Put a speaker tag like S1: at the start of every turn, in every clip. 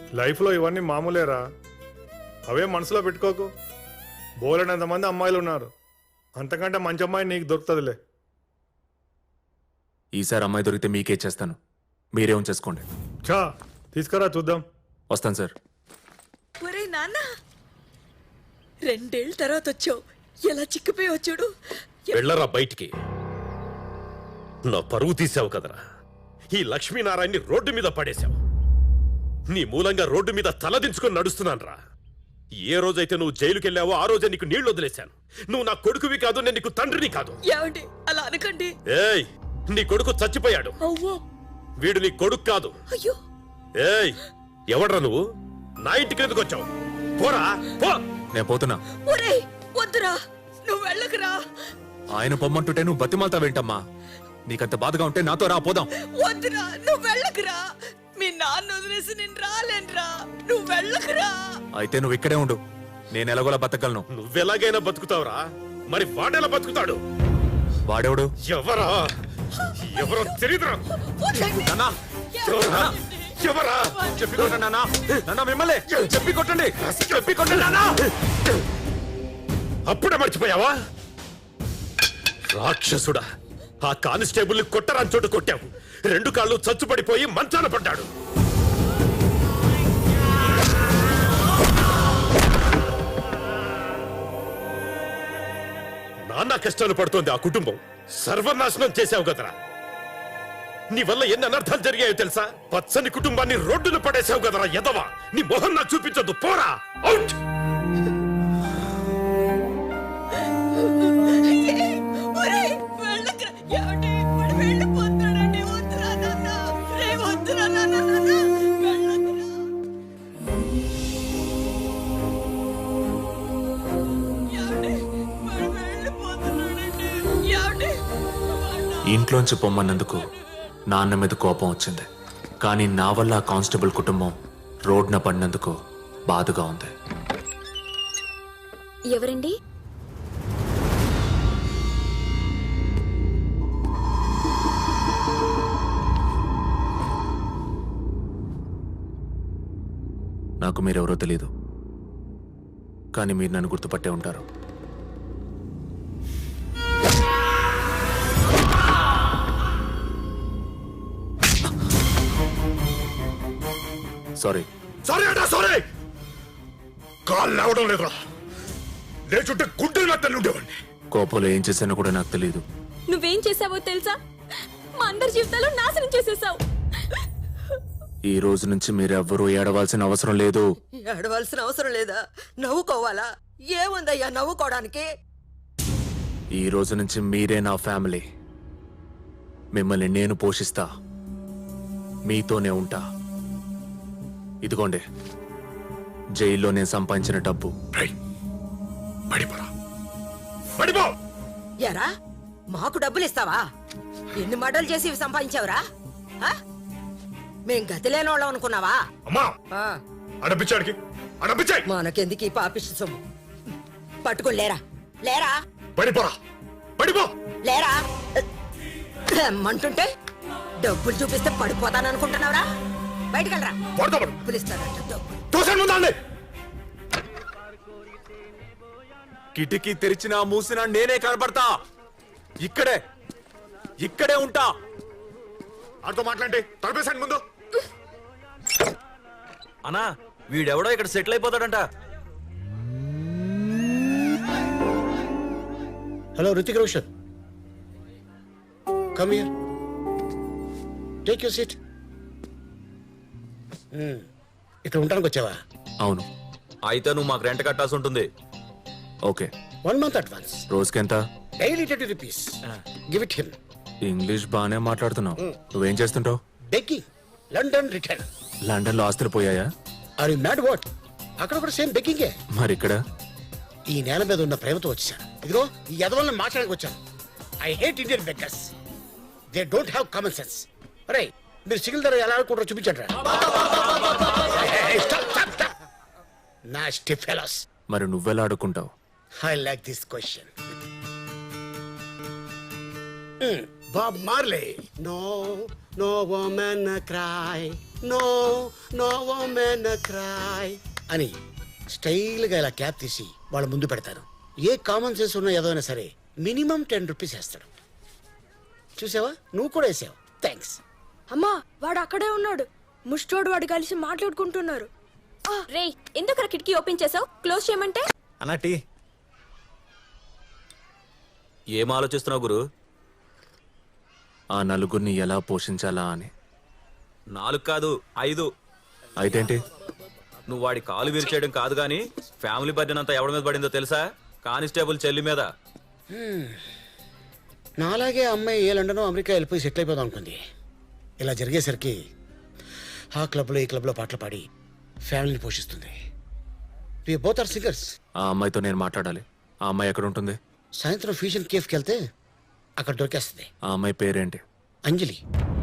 S1: లైఫ్లో ఇవన్నీ మామూలేరా, అవే మనసులో పెట్టుకోకు. బోలెడంతమంది అమ్మాయిలు ఉన్నారు, అంతకంటే మంచి అమ్మాయి నీకు దొరుకుతుందిలే.
S2: ఈసారి అమ్మాయి దొరికితే మీకే చేస్తాను, మీరే ఉంచేసుకోండి.
S1: చా తీసుకురా చూద్దాం.
S2: వస్తాను సార్.
S3: ఒరే నాన్న, 2 ఏళ్ళ తర్వాత వచ్చావు, ఎలా చిక్కిపోయి వచ్చాడు.
S4: వెళ్ళరా బయటికి. నా పరువు తీసావు కదరా. ఈ లక్ష్మీనారాయణని రోడ్డు మీద పడేశావు. నీ మూలంగా రోడ్డు మీద తలదించుకొని నడుస్తున్నానరా. ఏ రోజైతే నువ్వు జైలుకెళ్ళావో ఆ రోజే నీకు నీళ్లు వదిలేశాను. నువ్వు నా కొడుకువి కాదు, నేను నీకు తండ్రిని కాదు.
S3: ఏమండి అలా అనకండి.
S4: ఏయ్, నీ కొడుకు చచ్చిపోయాడు.
S3: అవ్వో.
S4: వీడు నీ కొడుకు కాదు.
S3: అయ్యో.
S4: ఏయ్, ఎవడ్రా నువ్వు? నా ఇంటికి ఎందుకు వచ్చావు? పోరా పో.
S2: నేను పోతున్నా.
S3: ఒరే వద్దురా, నువ్వు వెళ్ళకురా.
S2: ఆయన పొమ్మంటుంటే నువ్వు బతిమాలతావేంటమ్మా? నీకంత బాధగా ఉంటే నాతో రా, పోదాం.
S3: వద్దురా, నువ్వు వెళ్ళకురా. మీ నాన్న వదిలేసి నేను రాలేనురా, నువ్వు వెళ్ళకురా.
S2: అయితే నువ్వు ఇక్కడే ఉండు, నేను ఎలాగోలా బతకగలను.
S4: నువ్వెలాగైనా బతుకుతావురా, మరి వాడేలా బతుకుతాడు?
S2: వాడేవాడు?
S4: ఎవరా? ఎవరో తెలియదురా.
S3: వద్దండి.
S2: నాన్నా,
S4: ఎవరా?
S2: చెప్పి కొట్టండి నాన్నా. నాన్నా మిమ్మల్ని చెప్పి కొట్టండి, చెప్పి కొట్టండి నాన్నా.
S4: అప్పుడే మర్చిపోయావా? రాక్షసుడా, ఆ కానిస్టేబుల్ కొట్టరాని చోటు కొట్టావు. 2 కాళ్ళు చచ్చుపడిపోయి మంచాన పడ్డాడు. నాన్న కష్టాలు పడుతోంది ఆ కుటుంబం. సర్వనాశనం చేశావు కదరా. నీ వల్ల ఎన్ని అనర్థాలు జరిగాయో తెలుసా? పచ్చని కుటుంబాన్ని రోడ్డును పడేశావు కదరా ఎదవా. నీ మొహం నాకు చూపించొద్దు, పోరా. అవుట్.
S3: ఒరే వెళ్ళకురా. ఏమండి వాడు వెళ్ళిపోతాడండి. వద్దురా నాన్న, రే వద్దురా నాన్న, వెళ్ళకురా. ఏమండి వాడు వెళ్ళిపోతున్నాడండి. ఏమండి
S2: ఇంట్లోంచి పొమ్మన్నందుకు నాన్న మీద కోపం వచ్చింది, కానీ నా వల్ల ఆ కానిస్టేబుల్ కుటుంబం రోడ్న పడినందుకు బాధగా ఉంది.
S5: ఎవరండి?
S2: నాకు మీరెవరో తెలీదు, కానీ మీరు నన్ను గుర్తుపట్టే ఉంటారు. సారీ.
S4: సారీ అడా, సారీ. కాళ్ళు లేవడం లేదురా. లేచుంటే గుండెలు మెత్తలు ఉండేవాడిని.
S2: కోపంలో ఏం చేశానో కూడా నాకు తెలియదు.
S5: నువ్వేం చేసావో తెలుసా? మా అందరి జీవితాలు నాశనం చేసేసావు.
S2: ఈ రోజు నుంచి మీరెవ్వరూ ఏడవాల్సిన అవసరం లేదు.
S3: ఏడవలసిన అవసరం లేదా? నవ్వుకోవాలా? ఏముందయ్యా నవ్వుకోవడానికి?
S2: ఈ రోజు నుంచి మీరే నా ఫ్యామిలీ. మిమ్మల్ని నేను పోషిస్తా, మీతోనే ఉంటా. ఇదిగోండి జైల్లో నేను సంపాదించిన డబ్బు.
S3: ఎరా మాకు డబ్బులు ఇస్తావా? ఎన్ని మడలు చేసి ఇవి సంపాదించావురా? మేం గతి లేనోళ్ళం అనుకున్నావా? మనకెందుకు ఈ పాపిష్టి సొమ్ము? పట్టుకుని లేరా, లేరా, లేరా రమ్మంటుంటే డబ్బులు చూపిస్తే పడిపోతాననుకుంటున్నావురా? బయటకెళ్ళరా. పిలుస్తాడంట డబ్బులు.
S2: కిటికీ తెరిచినా మూసినా నేనే కనబడతా. ఇక్కడే ఉంటా.
S4: ఆడితో మాట్లాడి తలపేసాను ముందు.
S6: అన్నా వీడెవడో ఇక్కడ సెటిల్ అయిపోతాడంట.
S7: Hello Hrithik Roshan, come here, take your seat. ఇక్కడ ఉండడానికి వచ్చావా?
S2: అవును.
S6: అయితే నువ్వు మాకు రెంట్ కట్టాల్సి ఉంటుంది.
S2: ఓకే.
S7: 1 month advance.
S2: రోజుకెంత?
S7: Daily 30 rupees. Give it him.
S2: English బానే మాట్లాడుతున్నావు. నువ్వేం చేస్తుంటావు?
S7: Begging, London return.
S2: లండన్ లో ఆస్తులు పోయాయా?
S7: Are you mad what? అక్కడ కూడా సేమ్ బెగ్గింగే.
S2: మరి ఇక్కడ?
S7: ఈ నేల మీద ఉన్న ప్రేమతో వచ్చాను. ఇదిగో ఈ యదవల్ని మాట్లాడడానికి వచ్చాను. I hate Indian beggars. They don't have common sense. అరే మీరు సిగిల్ ధర ఎలా ఆడుకుంటారో చూపించండి. Nasty fellows.
S2: మరి నువ్వెలా ఆడుకుంటావు?
S7: I like this question. Bob Marley. No woman cry. No no woman cry అని స్టైల్గా ఇలా క్యాప్ తీసి వాళ్ళ ముందు పెడతారు. ఏ కామన్ సెన్స్ ఉన్న ఏదో అయినా సరే మినిమం 10 రూపీస్ వేస్తాడు. చూసావా, నువ్వు కూడా వేసావు. థ్యాంక్స్.
S5: అమ్మా వాడు అక్కడే ఉన్నాడు. ముష్టోడు వాడు కలిసి మాట్లాడుకుంటున్నారు. రే ఎందుకు కిటికీ ఓపెన్ చేసావు? క్లోజ్ చేయమంటే.
S6: అన్నటి ఏం ఆలోచిస్తున్నావు గురు?
S2: ఆ నలుగురిని ఎలా పోషించాలా అని.
S6: 4 కాదు 5.
S2: అయితేంటి?
S6: నువ్వు వాడి కాలు విరిచేయడం కాదు గాని ఫ్యామిలీ బర్డెన్ అంతా ఎవరి మీద పడిందో తెలుసా? కానిస్టేబుల్ చెల్లి మీద.
S7: నాలాగే అమ్మాయి ఏ లండన్ అమెరికా వెళ్ళిపోయి సెటిల్ అయిపోదాం అనుకుంది. ఇలా జరిగేసరికి ఆ క్లబ్లో ఈ క్లబ్లో పాటలు పాడి ఫ్యామిలీని పోషిస్తుంది. We both are singers.
S2: ఆ అమ్మాయితో నేను మాట్లాడాలి. ఆ అమ్మాయి ఎక్కడ ఉంటుంది?
S7: సాయంత్రం ఫ్యూషన్ కేఫ్కి వెళ్తే అక్కడ దొరికేస్తుంది.
S2: ఆ అమ్మాయి పేరేంటి?
S7: అంజలి.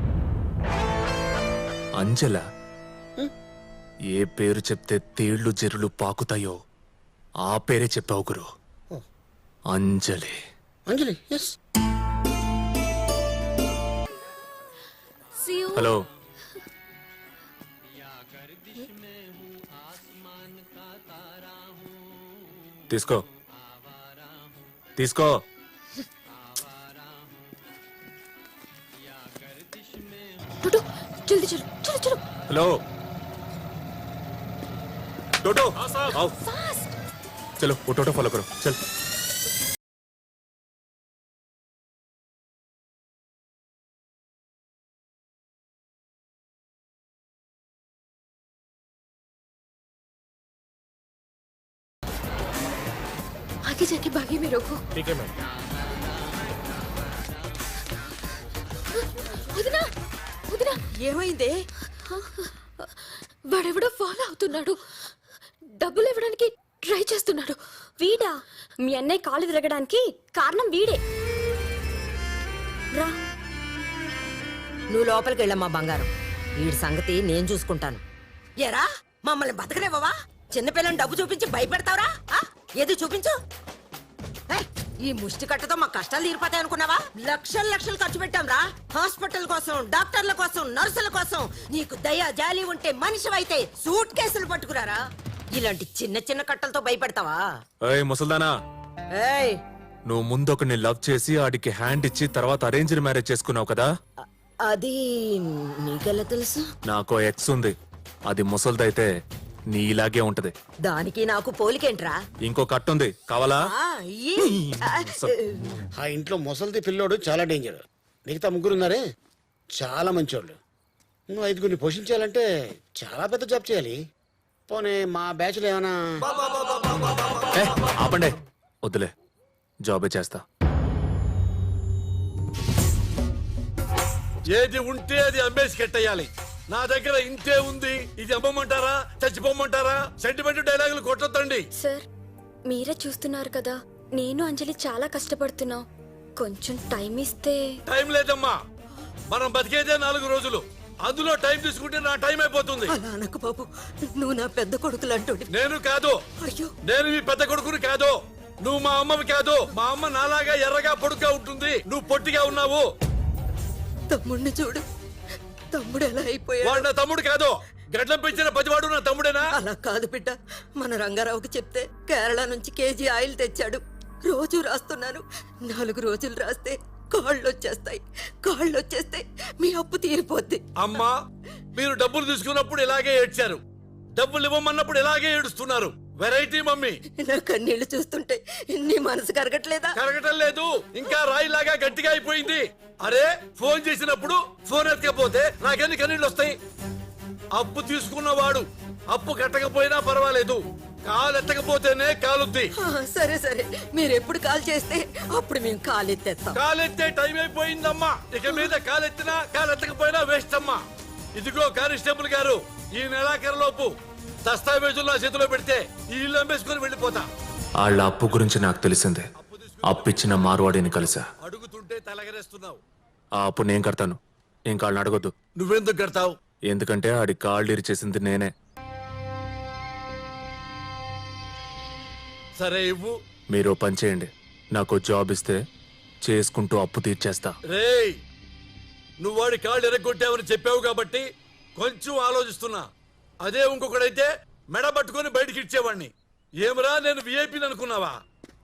S2: అంజల? ఏ పేరు చెప్తే తేళ్లు జెర్రులు పాకుతాయో ఆ పేరే చెప్పావు గురు. అంజలి.
S7: అంజలి, ఎస్.
S2: హలో. తీసుకో తీసుకో.
S5: టోటో జల్దీ చలో చలో చలో.
S2: హలో टोटो आओ. चलो वो टोटो फॉलो करो. चल.
S5: आगे जाके बागी में रोको.
S1: ठीक है मैम.
S5: వదినా వదినా
S3: ఏమైందే?
S5: వాడెవడో ఫాలో అవుతున్నాడు. డబ్బులు ఇవ్వడానికి ట్రై చేస్తున్నాడు. వీడా? మీ అన్నయ్య కాలు విరగడానికి కారణం వీడే. రా.
S3: నువ్వు లోపలికి వెళ్ళమ్మా బంగారం. వీడి సంగతి నేను చూసుకుంటాను. ఎరా మమ్మల్ని బతకనివ్వవా? చిన్నపిల్లని డబ్బు చూపించి భయపెడతావురా? ఏది చూపించు. ఏయ్, ఈ ముష్టి కట్టతో మా కష్టాలు తీరిపోతాయి అనుకున్నావా? లక్షలు లక్షలు ఖర్చు పెట్టాం రా. హాస్పిటల్ కోసం, డాక్టర్ల కోసం, నర్సుల కోసం. నీకు దయ జాలి ఉంటే మనిషివైతే సూట్ కేసులు పట్టుకురారా. ఇలాంటి చిన్న చిన్న కట్టలతో భయపెడతావా?
S2: ఏయ్ ముసల్దానా,
S3: ఏయ్,
S2: నువ్వు ముందొకరిని లవ్ చేసి ఆడికి హ్యాండ్ ఇచ్చి తర్వాత అరేంజ్డ్ మ్యారేజ్ చేసుకున్నావు కదా?
S3: అది నీకెలా తెలుసు?
S2: నాకో ఎక్స్ ఉంది. అది ముసల్దైతే నీ ఇలాగే ఉంటది.
S3: దానికి నాకు పోలికేంట్రా?
S2: ఇంకో కట్టు ఉంది, కావాలా?
S7: ఆ ఇంట్లో ముసలిది పిల్లోడు చాలా డేంజర్. మిగతా 3 ఉన్నారే చాలా మంచోళ్ళు. నువ్వు 5గురిని పోషించాలంటే చాలా పెద్ద జాబ్ చేయాలి. పోనీ మా బ్యాచ్లో ఏమైనా?
S2: ఏ, ఆపండి. వద్దులే, జాబే చేస్తా.
S8: ఏది ఉంటే అది అమ్మేసి కట్టేయాలి. నా దగ్గర ఇంతే ఉంది. ఇది అమ్మమంటారా, చచ్చిపోమంటారా? సెంటిమెంట్ డైలాగులు కొట్టొద్దండి.
S5: సార్ మీరే చూస్తున్నారు కదా, నేను అంజలి చాలా కష్టపడుతున్నాం. కొంచెం టైం ఇస్తే.
S8: టైం లేదమ్మా, మనం బతికేదే 4 రోజులు. అందులో టైం తీసుకుంటే నా టైం అయిపోతుంది.
S3: అలా అనకు బాబు, నువ్వు నా పెద్ద కొడుకులు అంటోడి.
S8: నేను కాదు.
S3: అయ్యో,
S8: నేను మీ పెద్ద కొడుకుని కాదు. నువ్వు మా అమ్మవి కాదు. మా అమ్మ నాలాగా ఎర్రగా పొడుగ్గా ఉంటుంది. నువ్వు పొట్టిగా ఉన్నావు.
S3: తమ్ముడిని చూడు, తమ్ముడు ఎలా అయిపోయాడు.
S8: వాడు నా తమ్ముడు కాదు. గడ్డం పెంచిన పతివాడు నా తమ్ముడేనా?
S3: అలా కాదు బిడ్డ. మన రంగారావుకి చెప్తే కేరళ నుంచి కేజీ ఆయిల్ తెచ్చాడు. రోజు రాస్తున్నాను. 4 రోజులు రాస్తే కాళ్ళు వచ్చేస్తాయి. కాళ్ళు వచ్చేస్తే మీ అప్పు తీరిపోద్ది.
S8: అమ్మా, మీరు డబ్బులు తీసుకున్నప్పుడు ఇలాగే ఏడ్చారు. డబ్బులు ఇవ్వమన్నప్పుడు ఇలాగే ఏడుస్తున్నారు. Variety mummy.
S3: నా కన్నీళ్లు చూస్తుంటే నీ మనసు కరగట్లేదా?
S8: కరగటం లేదు, ఇంకా రాయిలాగా గట్టిగా అయిపోయింది. అరే, ఫోన్ చేసినప్పుడు ఫోన్ ఎత్తకపోతే నాకెన్ని కన్నీళ్ళు వస్తాయి? అప్పు తీసుకున్నవాడు అప్పు కట్టకపోయినా పర్వాలేదు, కాలు ఎత్తకపోతేనే కాలుద్ది.
S3: సరే సరే, మీరు ఎప్పుడు కాల్ చేస్తే అప్పుడు మేము కాలెత్తేస్తాం.
S8: కాలెత్తే టైం అయిపోయిందమ్మా. ఇక మీద కాలెత్తినా కాలెత్తకపోయినా వేస్ట్ అమ్మా. ఇదిగో కానిస్టేబుల్ గారు, ఈ నెలాఖరులోపు దస్తావేజులు నా చేతిలో పెడితే ఈ ఇల్లు అమ్మేసుకుని వెళ్ళిపోతా.
S2: వాళ్ళ అప్పు గురించి నాకు తెలిసిందే. అప్పిచ్చిన మార్వాడిని కలిసా.
S8: అడుగుతుంటే తలగరేస్తున్నావు.
S2: ఆ అప్పు నేను కడతాను, ఇంకా వాళ్ళని అడగొద్దు.
S8: నువ్వెందుకు కడతావు?
S2: ఎందుకంటే ఆడి కాళ్ళు ఇరిచేసింది నేనే.
S8: సరే ఇవ్వు.
S2: మీరు ఓ పని చేయండి, నాకు జాబ్ ఇస్తే చేసుకుంటూ అప్పు తీర్చేస్తా.
S8: రేయ్, నువ్వు వాడి కాళ్ళు ఎరగొట్టావని చెప్పావు కాబట్టి కొంచెం ఆలోచిస్తున్నా. అదే ఇంకొకడైతే మెడ పట్టుకొని బయటికి ఇచ్చేవాడిని. ఏమరా నేను విఐపీని అనుకున్నావా?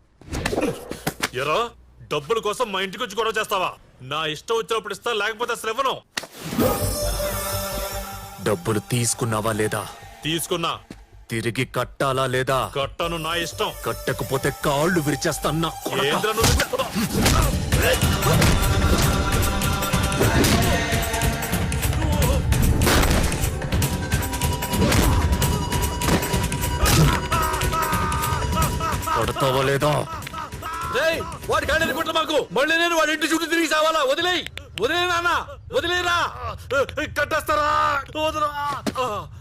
S2: ఎరా డబ్బుల కోసం మా ఇంటికి వచ్చి గొడవ చేస్తావా? నా ఇష్టం వచ్చినప్పుడు ఇస్తా, లేకపోతే అసలు ఇవ్వను. డబ్బులు తీసుకున్నావా లేదా? తీసుకున్నా. తిరిగి కట్టాలా లేదా? కట్టను, నా ఇష్టం. కట్టకపోతే కాళ్ళు విరిచేస్తాను. కొడతావా లేదా?
S8: రేయ్, వాడి కాళ్ళని కుట్ల మాకు. మళ్ళీ నేను వాడి ఇంటి చుట్టూ తిరిగి సావాలా? వదిలేయ్, వదిలే నాన్న, వదిలేరా.
S2: కట్టేస్తారా?